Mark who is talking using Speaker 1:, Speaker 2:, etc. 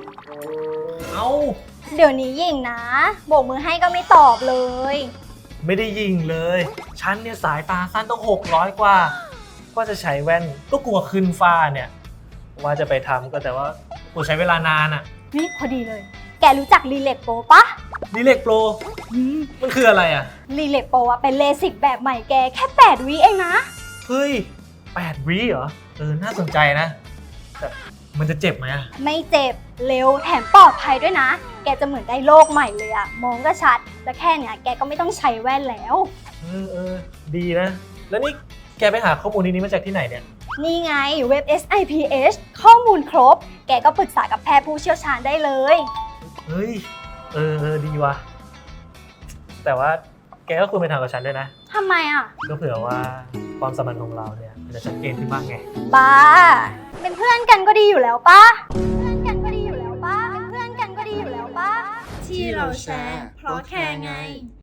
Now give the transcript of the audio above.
Speaker 1: เอ้า
Speaker 2: เดี๋ยวนี้ยิงนะโบกมือให้ก็ไม่ตอบเลย
Speaker 1: ไม่ได้ยิงเลยฉันเนี่ยสายตาสั้นต้อง600กว่าก็จะใช้แว่นก็กลัวขึ้นฟ้าเนี่ยว่าจะไปทำก็แต่ว่ากูใช้เวลานานอะ
Speaker 2: นี่พอดีเลย แกรู้จักรีเล็กโปรปะ
Speaker 1: นี่เล็กโปรมันคืออะไรอะ
Speaker 2: รีเล็กโปรอะเป็นเลสิกแบบใหม่แกแค่8 วิเองนะ
Speaker 1: เฮ้ย8 วิเหรอน่าสนใจนะแต่มันจะเจ็บไหมอะ
Speaker 2: ไม่เจ็บเร็วแถมปลอดภัยด้วยนะ แกจะเหมือนได้โลกใหม่เลยอะมองก็ชัด และแค่เนี้ยแกก็ไม่ต้องใช้แว่นแล้ว
Speaker 1: ดีนะ แล้วนี่แกไปหาข้อมูลนี้มาจากที่ไหนเนี่ย
Speaker 2: นี่ไงเว็บ SIPH ข้อมูลครบ แกก็ปรึกษากับแพทย์ผู้เชี่ยวชาญได้เลย
Speaker 1: เฮ้ยดีว่ะแต่ว่าแกก็ควรไปทำกับฉันด้วยนะ
Speaker 2: ทำไมอะ
Speaker 1: ก็เผื่อว่าความสัมพันธ์ของเราเนี่ยมันจะชัดเจนขึ้นบ้างไง
Speaker 2: บ้า เป็นเพื่อนกันก็ดีอยู่แล้วปะเพื่อนกันก็ดีอยู่แล้วปะเป็นเพื่อนกันก็ดีอยู่แล้วปะ
Speaker 3: ที่เราแชร์เพราะแคร์ไง